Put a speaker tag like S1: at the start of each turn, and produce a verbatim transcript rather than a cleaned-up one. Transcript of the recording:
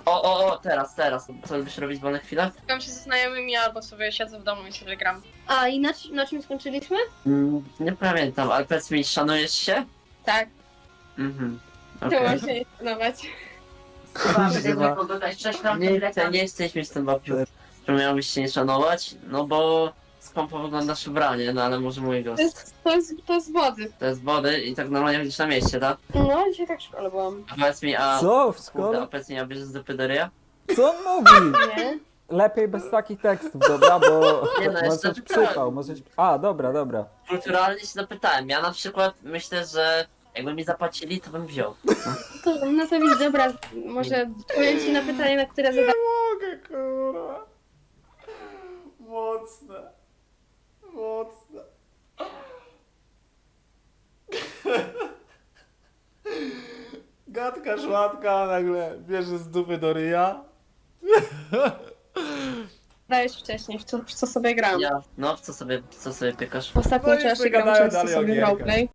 S1: O, o, o, teraz, teraz. Co lubisz robić w wolnych chwilach?
S2: Spotkam się ze znajomymi albo sobie siedzę w domu i sobie gram.
S3: A i na, na czym skończyliśmy?
S1: Mm, nie pamiętam, ale powiedz mi, szanujesz się?
S2: Tak,
S1: Mhm.
S2: to
S1: Okej.
S2: można je szanować.
S1: Nie, chcę, nie chcesz mieć ten babciu, że miałbyś się nie szanować, no bo skąpo wyglądasz ubranie, no ale może mój
S2: To
S1: gość.
S2: jest, to jest, to jest wody.
S1: To jest wody i tak normalnie chodzisz na mieście, tak?
S2: No, dzisiaj tak w szkole byłam.
S1: A powiedz mi, a...
S4: Co? W
S1: Kurde, a
S4: szkole?
S1: powiedz mi, a bierzesz do pydoria?
S4: Co on mówi?
S2: Nie?
S4: Lepiej bez takich tekstów, dobra, bo
S1: Nie, no,
S4: może
S1: jeszcze
S4: być przypał, może być... A, dobra, dobra.
S1: Kulturalnie się zapytałem, ja na przykład myślę, że jakby mi zapłacili, to bym wziął.
S2: To, no to widz, dobra, może odpowiem ci na pytanie, na które zadałem.
S5: mogę, kurwa. Mocne. Mocne. Gadka szmatka nagle bierze z dupy do ryja.
S2: Dałeś wcześniej, w co, w co sobie gram.
S1: Ja, no w co sobie, w co sobie pykasz?
S2: W ostatnim
S5: No i
S2: czasie
S5: sobie
S2: gram
S5: gadają
S2: często
S5: dalej o
S2: sobie
S5: gierkach.
S2: roleplay.